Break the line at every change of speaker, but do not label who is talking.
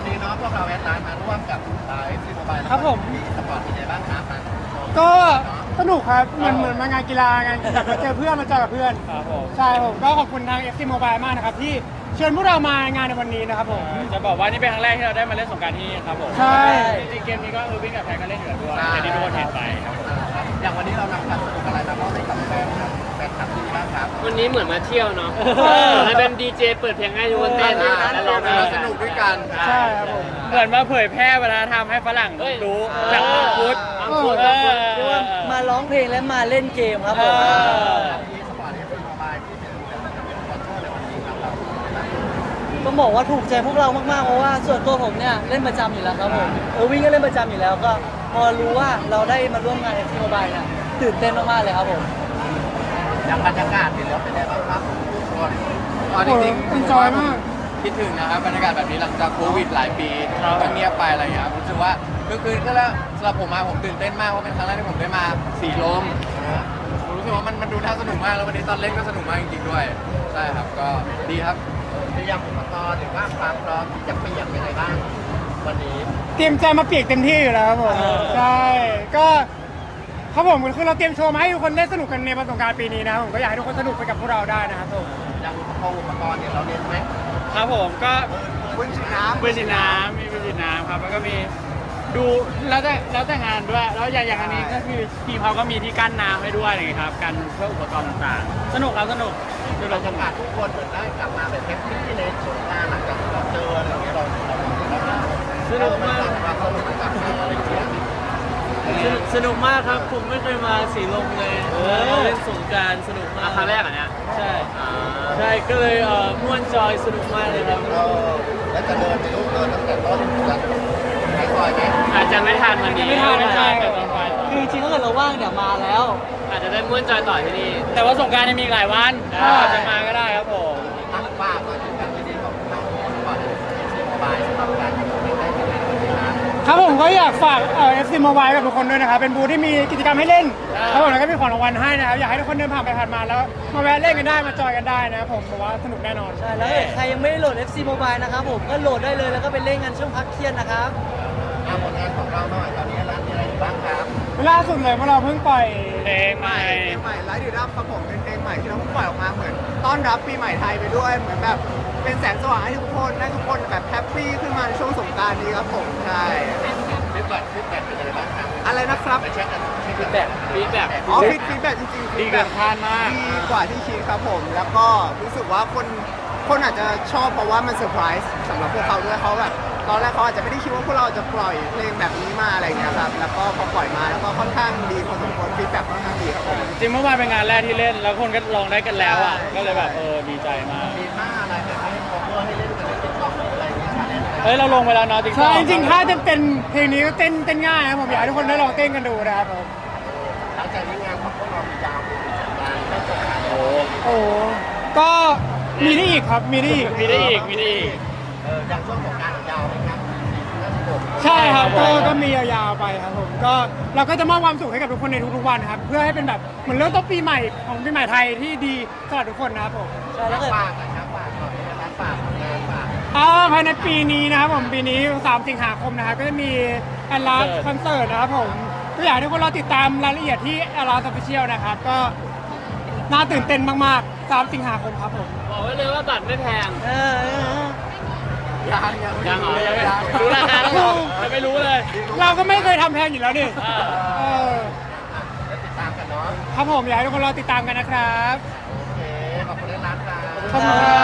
นี้เนาะพวกเราแอดไลน์มาร่วมกับFC Mobile
ครับผม
สปอร์ตเป็นไงบ้างครับ
ก็สนุกครับเหมือนมางานกีฬางานแบบมาเจอเพื่อนมาเจอกับเพื่อน
ครับผม
ใช่ผมก็ขอบคุณทาง FC Mobile มากนะครับที่เชิญพวกเรามางานในวันนี้นะครับผม
จะบอกว่านี่เป็นครั้งแรกที่เราได้มาเล่นสงกรานต์ที่นี่ครับผม
ใช่
จริงๆเกมนี้ก็วิ่งกับแพนก็เล่นอยู่แล้วด้วยแต่ที่ทุกคนเห็นไปครับผม
อย่างวันนี้เรานำความสนุกอะไรมามอบให้กับแฟนคลับที่บ้างครับ
วันนี้เหมือนมาเที่ยวเนาะให้เป็นดีเจเปิดเพลงให้ทุกคนเต้นแล้วร้องเพลง
สนุกด้วยกัน
ใช่ครับผม
เหมือนมาเผยแพร่วัฒนธรรมให้ฝรั่งรู้จากมังคุด
เออ
เรียกว่ามาร้องเพลงและมาเล่นเกมครับผม
ที่สปอร์ต FC Mobile ที่เป็นสปอนเซอร์ในวันนี้ครับเรา
ต้องบอกว่าถูกใจพวกเรามากๆเพราะว่าส่วนตัวผมเนี่ยเล่นประจำอยู่แล้วครับผมวิ่งก็เล่นประจำอยู่แล้วก็พอรู้ว่าเราได้มาร่วมงาน FC Mobile เนี่ยตื่นเต้นมากๆเลยครับผม
อย่างบรรยากาศเห็นแล้วเป็นไงบ้างครับทุกคน
จริงๆผมจอยมาก
คิดถึงนะครับบรรยากาศแบบนี้หลังจากโควิดหลายปีก็เงียบไปอะไรอย่างเงี้ยครับรู้สึกว่าเมื่อคืนก็แล้วสำหรับผมมาผมตื่นเต้นมากเพราะเป็นครั้งแรกที่ผมได้มาสีลมผมรู้สึกว่ามันดูน่าสนุกมากแล้ววันนี้ตอนเล่นก็สนุกมากจริงๆด้วยใช่ครับก็ดีครับ
เตรียมอุปกรณ์หรือว่าความพร้อมที่จะเปียกเป็นไงบ้างวันนี้
เตรียมใจมาเปียกเต็มที่อยู่แล้วครับผมใช่ก็ครับผมคือเราเตรียมโชว์มาให้ทุกคนได้สนุกกันในวันสงกรานต์ปีนี้นะครับผมก็อยากให้ทุกคนสนุกไปกับพวกเราได้นะครับผม
อย่างอุปกรณ์เนี่ยเราเรียนไหม
ครับผมก็
ปืนฉีดน้ำ
ปืนฉีดน้ำมีปืนฉีดน้ำครับแล้วก็มีดูแล้วแต่งานด้วยแล้วอย่างอันนี้ก็คือทีมเขาก็มีที่กั้นน้ำให้ด้วยอะไรอย่างเงี้ยครับกันเพื่ออุปกรณ์ต่างๆ สนุกครับสนุกดู
บร
เรา
ร
ส
ยา
นุก
กาศทุกคนเหมือนได้กลับมาแบบแฮปปี้ในสงกรานต์หลังจากที่เราเจออะไรอย่างเงี้ยเรา
สนุกมาก
ความสนุกมันกลับมาอะไรอย่างเงี้ย
สนุกมากครับผมไม่เคยมาสีลมเลยเล่นสงกรานต์สนุกมากครั้งแรกอ่ะเนี่ยใช่ใช่ก็เลยม่วนจอยสนุกมากเลยครับ
แล้วจะเดินไปลูกเดินตั้งแต่ต้นจนท้ายซอยไหม
อาจจะไม่ทันวันนี้
ไม่ทันแต่ตอนไป
คือจริงๆถ้าเกิดเราว่างเดี๋ยวมาแล้ว อาจจะได้ม่วนจอยต่อที่นี่
แต่ว่าสงกรารยังมีอีกหลายวันอาจจะมาก็ได้ครับผม
ตั้งป้ามาถึงกันที่นี่ของเราก่อนที่สบายสำหรับการอยู่ในได้ในวันนี้นะครับ
ผมก็อยากฝาก FC Mobile กับทุกคนด้วยนะครับเป็นบูธที่มีกิจกรรมให้เล่นครับผมแล้วก็มีของรางวัลให้นะครับอยากให้ทุกคนเดินผ่านไปผ่านมาแล้วมาแวะเล่นกันได้มาจอยกันได้นะครับผมบอกว่าสนุกแน่นอน
ใช่แล้วใครยังไม่ได้โหลด FC Mobile นะครับผมก็โหลดได้เลยแล้วก็ไปเล่นกันช่วงพักเที่ยงนะครับ
ผลงานของเราหน่อยตอนนี้ร้านมีอะไรอยู่บ้างครับ
ล่าสุดเลยพวกเราเพิ่งปล่อย
เพลงใหม่
ใหม่ไลฟ์ดีรับครับผมเป็นเพลงใหม่ที่เราเพิ่งปล่อยออกมาเหมือนต้อนรับปีใหม่ไทยไปด้วยเหมือนแบบเป็นแสงสว่างให้ทุกคนให้ทุกคนแบบแฮปปี้ขึ้นมาในช่วงสงกรานต์นี้ครับผมใช่
ฟีดแบ็กเป็นยังไงบ้างครับ
อะไรนะครับ
ไปเช็คกัน
ฟีดแบ็ก
อ๋อฟีดแบ็กจริงๆ
ดีเกินคาดมาก
ดีกว่าที่คิดครับผมแล้วก็รู้สึกว่าคนอาจจะชอบเพราะว่ามันเซอร์ไพรส์สำหรับพวกเขาด้วยเขาแบบตอนแรกเขาอาจจะไม่ได้คิดว่าพวกเราจะปล่อยเพลงแบบนี้มาอะไรอย่างเงี้ยครับแล้วก็พอปล่อยมาแล้วก็ค่อนข้างดีพอสมควรฟีดแบ็กค่อนข้างดีครับผม
จริงเมื่อวานเป็นงานแรกที่เล่น แล้วคนก็ลองได้กันแล้วอ่ะ
ใช่
ก็เลยแบบดีใจมาก
มีท่าอะไรแบบให้คอเวอร์ให้เล่นกันในติ๊กต็อกอะไรอย่างเงี้ยชาเลนจ์
เฮ้ยเราลงไปแล้วเนาะติ๊กต็
ใช่
อก
จริงๆถ้าจะเป็นเพลงนี้ก็เต้นง่ายนะครับผมอยากให้ทุกคนได้ลองเต้นกันดูนะครับผม
หลังจากนี้งานของพวกเรามียาวเป็นสัปดาห์ไม่จบครับ
โอ้
โอ้ก็มีได้อีกครับมีได้อีก
มีได้อีกมีได้อีก
อย่างช่วงของการยาวไหมครับ46
ใช่ครับก็มียาวๆไปครับผมก็เราก็จะมอบความสุขให้กับทุกคนในทุกๆวันครับเพื่อให้เป็นแบบเหมือนเริ่มต้นปีใหม่ของปีใหม่ไทยที่ดีสำหรับทุกคนนะครับผม
ใช่แล้วก็
ฝากนะครับฝากก่อนนะครับฝากงานฝาก
ภายในปีนี้นะครับผมปีนี้3 สิงหาคมนะครับก็จะมีแอนลาสคอนเสิร์ตนะครับผมก็อยากให้ทุกคนรอติดตามรายละเอียดที่แอนลาสออฟฟิเชียลนะครับก็น่าตื่นเต้นมากๆ3 สิงหาคมครับผม
บอกไว้เลยว่าบัตรไม่แพง
ยังเหรอยัง
รู้ราคาแล้วเหรอจะไม่รู้เลย
เราก็ไม่เคยทำแพงอยู่แล้วนี่ เออ
ติดตามกันเนาะ
ครับผมอยากให้ทุกคนรอติดตามกันนะครับ
โอเคขอบคุณร้านครับ
ขอบคุณครับ